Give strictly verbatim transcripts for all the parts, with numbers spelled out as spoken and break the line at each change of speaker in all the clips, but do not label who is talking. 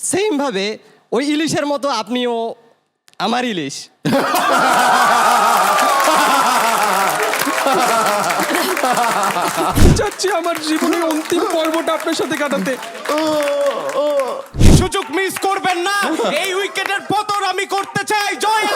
Same ভাবে ওই ইলিশের মতো আপনিও আমার ইলিশ।
চাচ্ছি আমার জীবনের অন্তিম পর্বটা আপনার সাথে কাটাতে।
সুযোগ মিস করবেন না, এই উইকেটের পতন আমি করতে চাই। জয়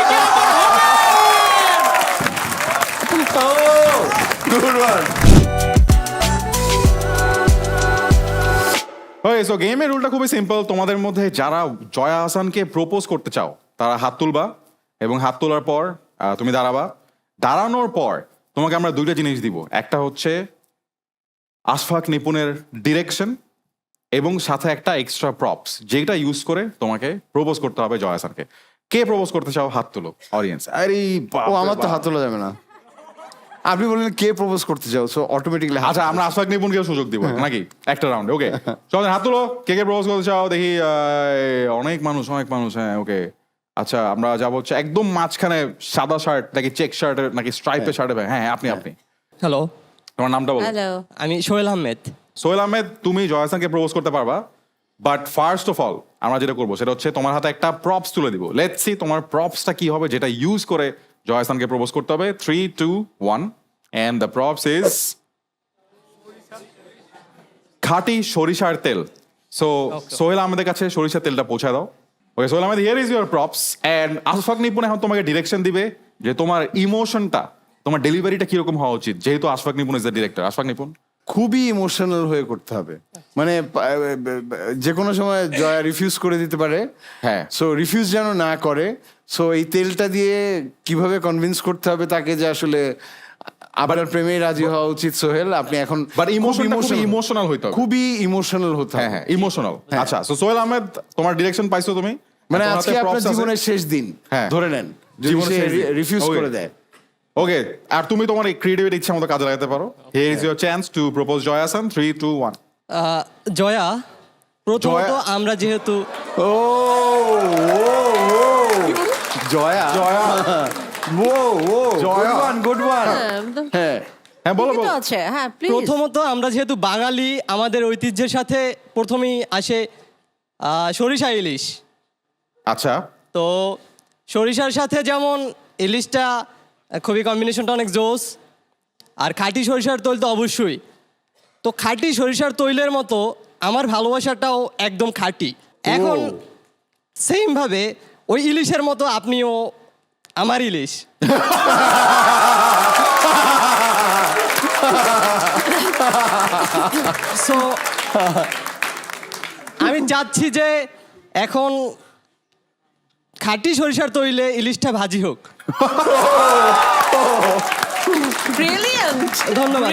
ওকে, সো গেমের রুলটা খুবই সিম্পল। তোমাদের মধ্যে যারা জয়া হাসানকে প্রপোজ করতে চাও তারা হাত তুলবা, এবং হাত তোলার পর আহ, তুমি দাঁড়াবা। দাঁড়ানোর পর তোমাকে আমরা দুইটা জিনিস দিব। একটা হচ্ছে আশফাক নিপুণের ডিরেকশন, এবং সাথে একটা এক্সট্রা প্রপস, যেটা ইউজ করে তোমাকে প্রপোজ করতে হবে জয়া হাসানকে। কে প্রপোজ করতে চাও হাত তুলো, অডিয়েন্স। আরে
ও আমার তো হাত তোলা যাবে না। আপনি বললেন কে প্রপোজ করতে চাও, সো অটোমেটিক্যালি
আচ্ছা, আমরা আশফাক নিপুণকে সুযোগ দিব নাকি একটা রাউন্ডে? ওকে, চলেন হাত তুলো। কে কে প্রপোজ করতে চাও দেখি। আহ, অনেক মানুষ অনেক মানুষ হ্যাঁ, ওকে। আচ্ছা, আমরা যাবো হচ্ছে একদম মাঝখানে, সাদা শার্ট নাকি চেক শার্টের নাকি স্ট্রাইপের শার্টে। হ্যাঁ, আপনি আপনি
হ্যালো,
তোমার নামটা বলো।
হ্যালো,
আমি সোহেল আহমেদ।
সোহেল আহমেদ, তুমি জয়া হাসানকে প্রপোজ করতে পারবা, বাট ফার্স্ট অফ অল আমরা যেটা করবো সেটা হচ্ছে তোমার হাতে একটা প্রপস তুলে দিব। লেটস সি তোমার প্রপসটা কি হবে, যেটা ইউজ করে জয়া হাসানকে প্রপোজ করতে হবে। Three two one, and the props is খাঁটি সরিষার তেল। সো সোহেল আহমেদের কাছে সরিষার তেলটা পৌঁছায় দাও। Okay Sohel Ahmed, here is your props, and Ashfaq Nipun এখন তোমাকে ডিরেকশন দিবে যে তোমার ইমোশনটা, তোমার ডেলিভারিটা কিরকম হওয়া উচিত, যেহেতু Ashfaq Nipun is the director. Ashfaq Nipun,
খুবই ইমোশনাল হয়ে করতে হবে। মানে যে কোনো সময় জয়া রিফিউজ করে দিতে পারে।
হ্যাঁ।
সো রিফিউজ যেন না করে। সো এই তেলটা দিয়ে কিভাবে কনভিন্স করতে হবে তাকে যে আসলে আপনার প্রেমে রাজি হওয়া উচিত সোহেল। আপনি এখন
বাট ইমোশন
ইমোশনাল
ইমোশনাল হইতে হবে,
খুবই ইমোশনাল হতে
হ্যাঁ
হবে।
হ্যাঁ ইমোশনাল। আচ্ছা, সো সোহেল আহমেদ, তোমার ডিরেকশন পাইছো তুমি,
মানে
তোমার হাতে
আজকে আপনার
props আছে।
জীবনের শেষ দিন
হ্যাঁ।
ধরে নেন, যদি
জীবনের
সে
শেষ দিন।
Refuse
Okay.
করে দেয়।
ওকে, আর তুমি তোমার এই ক্রিয়েটিভিটি ইচ্ছা মতো কাজে লাগাতে পারো। Here is your chance to propose Jaya Hasan. Three two one.
Ah, Jaya, প্রথমত
জয়া-
আমরা যেহেতু
ও ও জয়া
জয়া
ও ও
Jaya.
Good one good one. হ্যাঁ
হ্যাঁ বলো বলো।
আছে হ্যাঁ প্লিজ।
প্রথমত আমরা যেহেতু বাঙালি, আমাদের ঐতিহ্যের সাথে প্রথমেই আসে আহ, সরিষা ইলিশ।
আচ্ছা,
তো সরিষার সাথে যেমন ইলিশটা খুবই কম্বিনেশনটা অনেক জোস, আর খাঁটি সরিষার তৈল তো অবশ্যই। তো খাঁটি সরিষার তৈলের মতো আমার ভালোবাসাটাও একদম খাঁটি। এখন সেম ভাবে ওই ইলিশের মতো আপনিও আমার ইলিশ। সো আমি চাচ্ছি যে এখন খাঁটি সরিষার তৈলে ইলিশটা ভাজি হোক।
ব্রিলিয়ান্ট
ধন্যবাদ।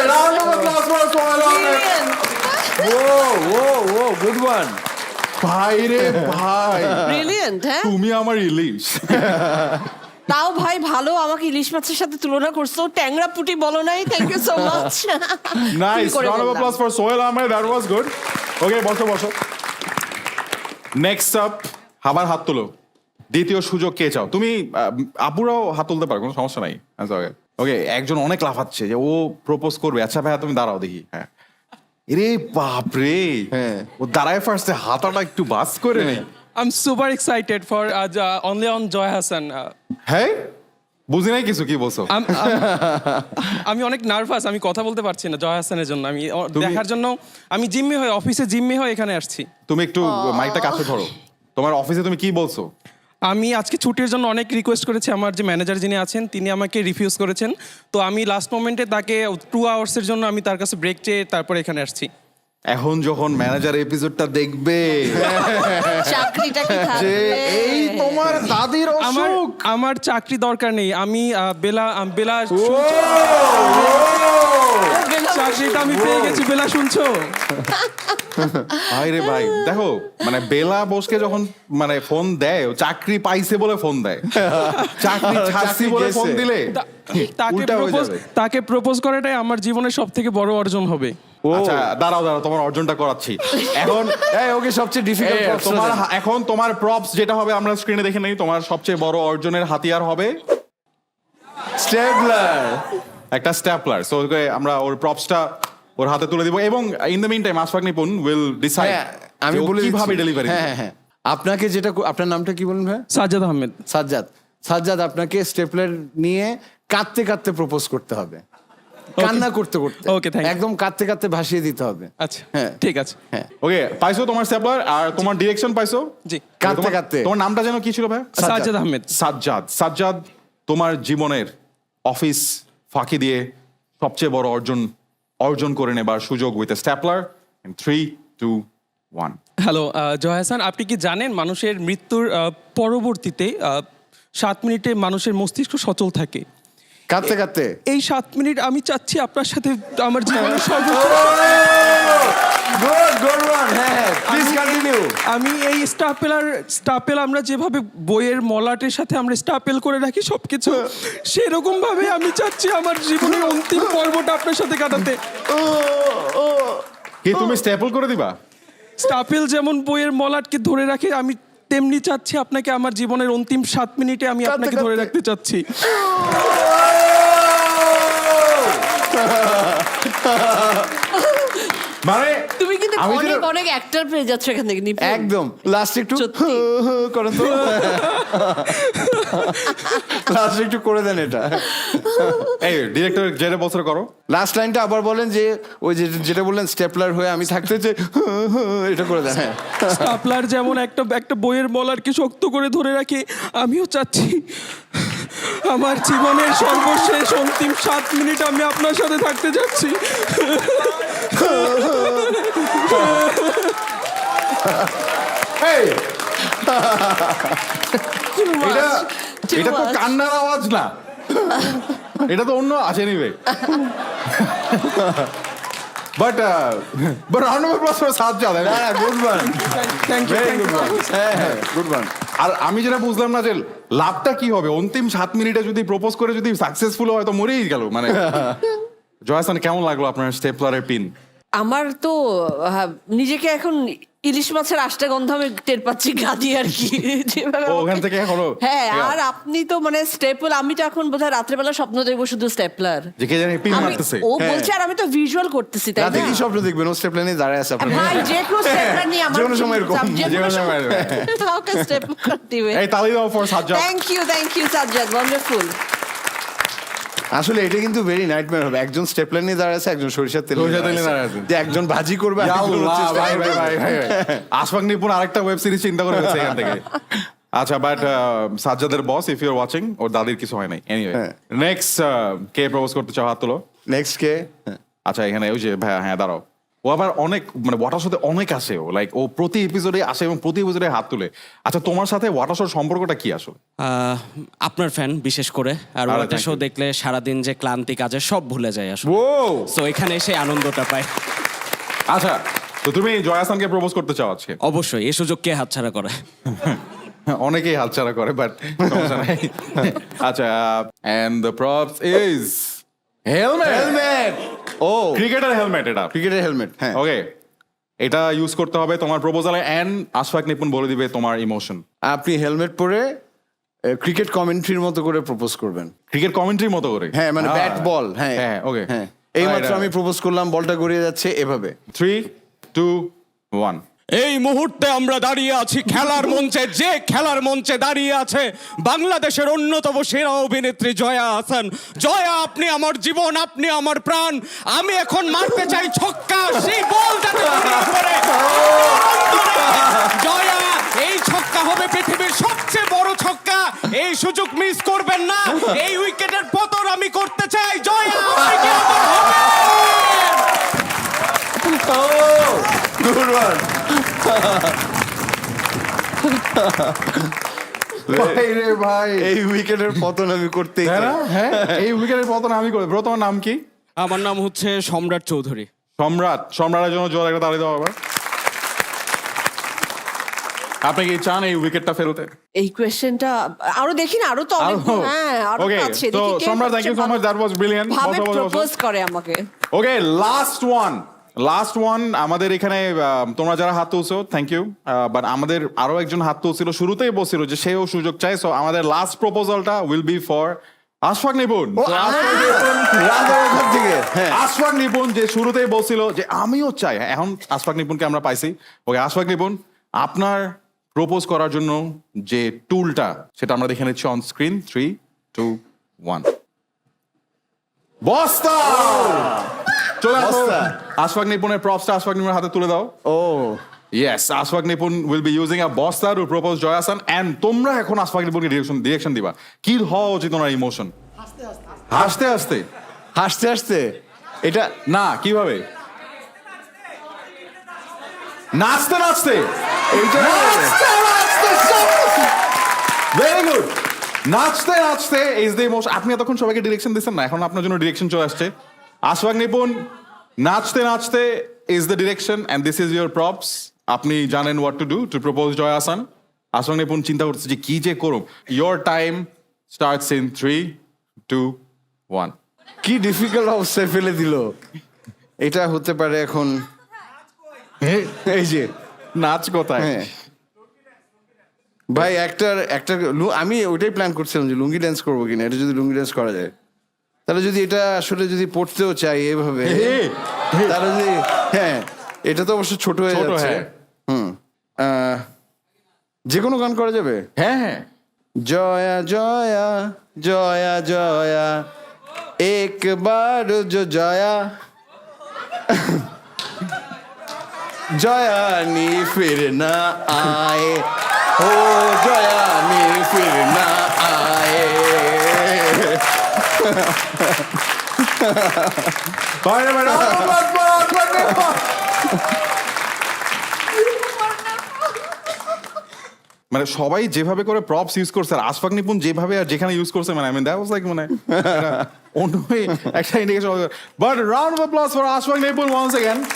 ও ও ও গুড ওয়ান।
ভাই রে ভাই,
ব্রিলিয়ান্ট হ্যাঁ।
তুমি আমার ইলিশ।
তাও ভাই ভালো আমাকে ইলিশ মাছের সাথে তুলনা করছো, ট্যাংরা পুটি বলো নাই। Thank you so much.
Nice, round of applause for Sohel Ahmed, that was good. Okay, বসো বসো। নেক্সট আপ, আবার হাত তোলো। দ্বিতীয় সুযোগ কে চাও তুমি? আহ, আপুরাও হাত তুলতে পারো, কোনো সমস্যা নাই। ওকে ওকে, একজন অনেক লাফাচ্ছে যে ও প্রপোজ করবে। আচ্ছা ভাইয়া, তুমি দাঁড়াও দেখি। হ্যাঁ, রে বাপ রে,
হ্যাঁ।
ও দাঁড়ায় ফার্স্টে হাতাটা একটু বাস করে নেই।
I'm super excited for uh, uh, only on Joy Hassan. Uh,
হ্যাঁ, বুঝি নাই কিছু, কি বলছো?
I'm, I'm, আমি অনেক নার্ভাস, আমি কথা বলতে পারছি না জয় হাসানের জন্য। আমি ও-
তুমি-
দেখার জন্য আমি জিম্মি হয়ে, অফিসে জিম্মি হয়ে এখানে আসছি।
তুমি একটু মাইকটা কাছে ধরো। তোমার অফিসে তুমি কি বলছো?
আমি আজকে ছুটির জন্য অনেক রিকোয়েস্ট করেছি, আমার যে ম্যানেজার যিনি আছেন তিনি আমাকে রিফিউজ করেছেন। তো আমি লাস্ট মোমেন্টে তাকে টু আওয়ার্সের জন্য আমি তার কাছে ব্রেক চেয়ে তারপরে এখানে আসছি।
এখন যখন ম্যানেজার এপিসোডটা দেখবে
চাকরিটা কি
যে
থাকবে?
এই তোমার দাদির
আমার
অসুখ,
আমার চাকরি দরকার নেই। আমি আহ, বেলা আহ, বেলা চাকরিটা আমি পেয়ে গেছি। বেলা শুনছো?
ভাই রে ভাই, দেখো মানে বেলা বসকে যখন মানে ফোন দেয়, ও চাকরি পাইছে বলে ফোন দেয়। চাকরি ছাড়ছি বলে ফোন
গেছে।
দিলে
তা- তাকে
উল্টা হয়ে
প্রপোজ
যাবে।
তাকে প্রপোজ করাটাই আমার জীবনের সব থেকে বড় অর্জন হবে।
আচ্ছা দাঁড়াও দাঁড়াও, তোমার অর্জনটা করাচ্ছি এখন।
এই ওকে সবচেয়ে ডিফিকাল্ট
এ, তোমার হা- এখন তোমার প্রপস যেটা হবে আমরা স্ক্রিনে দেখে নেই। তোমার সবচেয়ে বড় অর্জনের হাতিয়ার হবে
স্টেবলার।
একটা স্ট্যাপলার। সো আমরা ওর প্রপসটা ওর হাতে তুলে দিব, এবং in the mean time Ashfaq Nipun will decide.
হ্যাঁ, আমি
যে ও
বলে দিচ্ছি।
কিভাবে ডেলিভারি
হ্যাঁ হ্যাঁ হ্যাঁ আপনাকে যেটা কো- আপনার নামটা কি বলুন ভাই?
সাজ্জাদ আহমেদ।
সাজ্জাদ। সাজ্জাদ আপনাকে স্টেপলার নিয়ে কাঁদতে কাঁদতে প্রপোজ করতে হবে, কান্না করতে করতে।
Okay, thank you.
একদম কাঁদতে কাঁদতে ভাসিয়ে দিতে হবে।
আচ্ছা
হ্যাঁ।
ঠিক আছে।
হ্যাঁ,
ওকে, পাইছো তোমার স্টেপলার আর তোমার ডিরেকশন পাইছো?
জি
কাঁদতে
তোমার-
কাঁদতে।
তোমার নামটা যেন কি ছিল ভাই?
সাজ্জাদ আহমেদ।
সাজ্জাদ। সাজ্জাদ, তোমার জীবনের অফিস ফাঁকি দিয়ে সবচেয়ে বড় অর্জন অর্জন করে নেবার সুযোগ with stapler in three two one.
Hello Joy Hasan, আপনি কি জানেন মানুষের মৃত্যুর আহ, পরবর্তীতে আহ, সাত মিনিটে মানুষের মস্তিষ্ক সচল থাকে?
কাঁদতে কাঁদতে।
এই সাত মিনিট আমি চাচ্ছি আপনার সাথে আমার জীবনের সর্বোচ্চ।
Good good one. হ্যাঁ, প্লিজ কন্টিনিউ।
আমি এই স্টাপেলার স্টাপেল আমরা যেভাবে বইয়ের মলাটের সাথে আমরা স্টাপেল করে রাখি সবকিছু, সেরকম ভাবে আমি চাচ্ছি আমার জীবনের অন্তিম পর্বটা আপনার সাথে কাটাতে।
কি তুমি স্টেপল করে দিবা?
স্টাপেল যেমন বইয়ের মলাটকে ধরে রাখে, আমি তেমনি চাচ্ছি আপনাকে আমার জীবনের অন্তিম সাত মিনিটে আমি
কাঁদতে
আপনাকে ধরে
কাঁদতে।
রাখতে চাচ্ছি।
মানে
তুমি কিন্তু
আমি
অনেক
যেটা-
অনেক অ্যাক্টর পেয়ে যাচ্ছ এখান থেকে নিপুণ।
একদম লাস্ট একটু
সত্যি।
করেন তো, লাস্ট একটু করে দেন এটা।
এই ডিরেক্টর যেটা বছর করো।
লাস্ট লাইনটা আবার বলেন, যে ওই যে যেটা বললেন স্টেপলার হয়ে আমি থাকতে যে এটা করে দেন। হ্যাঁ,
স্টাপলার যেমন একটা একটা বইয়ের মলারকে শক্ত করে ধরে রাখে, আমিও চাচ্ছি আমার জীবনের সর্বশেষ অন্তিম সাত মিনিট আমি আপনার সাথে থাকতে যাচ্ছি।
এই,
Too much,
এটা
too
এটা তো
much.
কান্নার আওয়াজ না, এটা তো অন্য আছে নিবে। But but round of applause for Sajjad.
Good one,
thank you.
Very good one. হ্যাঁ হ্যাঁ, গুড ওয়ান।
আর আমি যেটা বুঝলাম না যে লাভটা কি হবে অন্তিম সাত মিনিটে যদি প্রপোজ করে যদি সাকসেসফুল হয় তো মরেই গেল। মানে জয়াসান, কেমন লাগলো আপনার স্টেপলারের পিন?
আমার তো আহ, নিজেকে এখন ইলিশ মাছের আষ্টা গন্ধ আমি টের পাচ্ছি গাদি আর কি যেভাবে
ও,
আমাকে-
ওখান থেকে এখনো
হ্যাঁ,
Yeah.
আর আপনি তো মানে স্টেপল, আমি তো এখন বোধহয় রাত্রেবেলা স্বপ্ন দেখবো শুধু স্টেপলার।
যে কে জানি পিন
আমি
মারতেছে।
ও বলছে আর আমি তো ভিজুয়াল করতেছি, তাই
রাতে
না?
কি স্বপ্ন দেখবেন? ও স্টেপলার নিয়ে দাঁড়ায় আছে আপনার।
ভাই যে কেউ স্টেপলার নিয়ে আমার
যে কোনো সময় এরকম,
যে কোনো সময়
কাউকে স্টেপলার দিবে।
এই তালি দাও for Sajjad.
Thank you thank you Sajjad, wonderful.
আসলে এটা কিন্তু ভেরি নাইটমেয়ার হবে। একজন স্টেপলার নিয়ে দাঁড়ায় আছে, একজন সরিষার তেল
সরিষার তেল নিয়ে দাঁড়ায় আছে।
যে একজন ভাজি করবে, আর একজন হচ্ছে
আল্লাহ, ভাই
stapler
ভাই ভাই
করবে।
ভাই আশফাক নিপুণ আরেকটা ওয়েব সিরিজ চিন্তা করে ফেলছে এখান থেকে। আচ্ছা, বাট সাজ্জাদের boss, if you are watching, ওর দাদির কিছু হয় নাই। এনিওয়ে,
হ্যাঁ।
নেক্সট কে প্রপোজ করতে চাও? হাত তোলো।
নেক্সট কে?
আচ্ছা, এখানে ওই যে ভাইয়া, হ্যাঁ দাঁড়াও। ও আবার অনেক মানে ওয়াটার সাথে অনেক আসে, ও লাইক ও প্রতি এপিসোডে আসে এবং প্রতি এপিসোডে হাত তুলে। আচ্ছা, তোমার সাথে ওয়াটার শোর সম্পর্কটা কি আসলে?
আহ, আপনার ফ্যান বিশেষ করে, আর
আরে,
ওয়াটার
thank
শো
you.
দেখলে সারাদিন যে ক্লান্তি কাজে সব ভুলে যায় আসলে।
ও
সো এখানে এসে আনন্দটা পাই।
আচ্ছা, তো তুমি জয়াসানকে প্রপোজ করতে চাও আজকে?
অবশ্যই, এই সুযোগ কে হাতছাড়া করে?
অনেকেই হাতছাড়া করে, বাট সমস্যা নাই। আচ্ছা, and the props is helmet.
Helmet. ও
ক্রিকেটার হেলমেট এটা।
ক্রিকেটের হেলমেট। হ্যাঁ,
ওকে, এটা ইউজ করতে হবে তোমার প্রপোজালে, এন্ড আশফাক নিপুণ বলে দিবে তোমার ইমোশন।
আপনি হেলমেট পরে ক্রিকেট কমেন্ট্রির মতো করে প্রপোজ করবেন।
ক্রিকেট কমেন্ট্রির মতো করে।
হ্যাঁ, মানে ব্যাট বল। হ্যাঁ
হ্যাঁ, ওকে।
হ্যাঁ, এই মাত্র আমি প্রপোজ করলাম, বলটা গড়িয়ে যাচ্ছে এভাবে।
Three two one.
এই মুহূর্তে আমরা দাঁড়িয়ে আছি খেলার মঞ্চে, যে খেলার মঞ্চে দাঁড়িয়ে আছে বাংলাদেশের অন্যতম সেরা অভিনেত্রী জয়া আহসান। জয়া, আপনি আমার জীবন, আপনি আমার প্রাণ। আমি এখন মারতে চাই ছক্কা, সেই বল যাতে ঘুরে পড়ে। জয়া, এই ছক্কা হবে পৃথিবীর সবচেয়ে বড় ছক্কা, এই সুযোগ মিস করবেন না। এই উইকেটের পতন আমি করতে চাই। জয়া, আপনি কি আমার হবেন?
Good one.
ভাই রে ভাই,
এই উইকেটের পতন আমি করতেই
হ্যাঁ
চাই।
না? হ্যাঁ, এই উইকেটের পতন আমি করে। ব্রো, তোমার নাম কি?
আমার নাম হচ্ছে সম্রাট চৌধুরী।
সম্রাট। সম্রাটের জন্য জোর একটা তালি দেওয়া হবে। আপনি কি চান এই উইকেটটা ফেরোতে?
এই কোয়েশ্চেনটা আরো দেখি না, আরো তো অনেক। হ্যাঁ, আরো
ওকে,
তো আছে।
তো
দেখি কে
সম্রাট, thank you so much, that was brilliant.
ভাবে প্রপোজ করে আমাকে।
Okay, last one last one আমাদের এখানে আহ, তোমরা যারা হাত তুলছো থ্যাংক ইউ, বাট আমাদের আরো একজন হাত তুলছিল, শুরুতেই বলছিল যে সেও সুযোগ চাই। সো আমাদের লাস্ট প্রপোজালটা will be for Ashfaq Nipun
ও,
So,
আমার
আশফাক নিপুণ
রাধা ওখান থেকে হ্যাঁ
আশফাক নিপুণ যে শুরুতেই বলছিল যে আমিও চাই, হ্যাঁ, এখন আশফাক নিপুণকে আমরা পাইছি। ওকে আশফাক নিপুণ, আপনার প্রপোজ করার জন্য যে টুলটা সেটা আমরা দেখে নিচ্ছি on screen. Three two one বস্তা। চলে আসো।
বস্তা।
আশফাক নিপুণের প্রপসটা আশফাক নিপুণের হাতে তুলে দাও।
ও
Yes, Ashfaq Nipun will be using a bosta to propose Joy Hassan, and তোমরা এখন Ashfaq Nipunকে ডিরেকশন ডিরেকশন দিবা। কি হওয়া উচিত ওনার ইমোশন? হাসতে হাসতে
হাসতে হাসতে এটা
না, কিভাবে? নাচতে নাচতে
এইটা
ভেরি গুড। নাচতে নাচতে ইজ দ্য ইমোশন। আপনি এতক্ষণ সবাইকে ডিরেকশন দিচ্ছেন না, এখন আপনার জন্য ডিরেকশন চলে আসছে। আশফাক নিপুণ, নাচতে নাচতে is the direction and this is your props. আপনি জানেন what to do to propose Joy Hasan. Ashfaq Nipun চিন্তা করতেছে যে কি যে করুম। Your time starts in three two one.
কি ডিফিকাল্ট অবস্থায় ফেলে দিল। এটা হতে পারে এখন এই যে
নাচ কোথায়?
হ্যাঁ ভাই একটার একটা লু- আমি ওইটাই প্ল্যান করছিলাম যে লুঙ্গি ড্যান্স করবো কিনা, এটা যদি লুঙ্গি ড্যান্স করা যায় তাহলে যদি এটা আসলে যদি পড়তেও চাই এভাবে তাহলে যদি হ্যাঁ এটা তো অবশ্য ছোট হয়ে
ছোট,
যাচ্ছে।
হ্যাঁ।
হুম আহ, যে কোনো গান করা যাবে।
হ্যাঁ হ্যাঁ
জয়া জয়া জয়া জয়া একবার जो জয়া জয়া নি ফির না আয়ে ও জয়া নি ফির না আয়ে
বাইরে বাইরে আশফাক নিপুণ। মানে সবাই যেভাবে করে প্রপস ইউজ করছে আর আশফাক নিপুণ যেভাবে আর যেখানে ইউজ করছে, মানে I mean that was like মানে অন্য একটা indication. But round of applause for Ashfaq Nipun once again.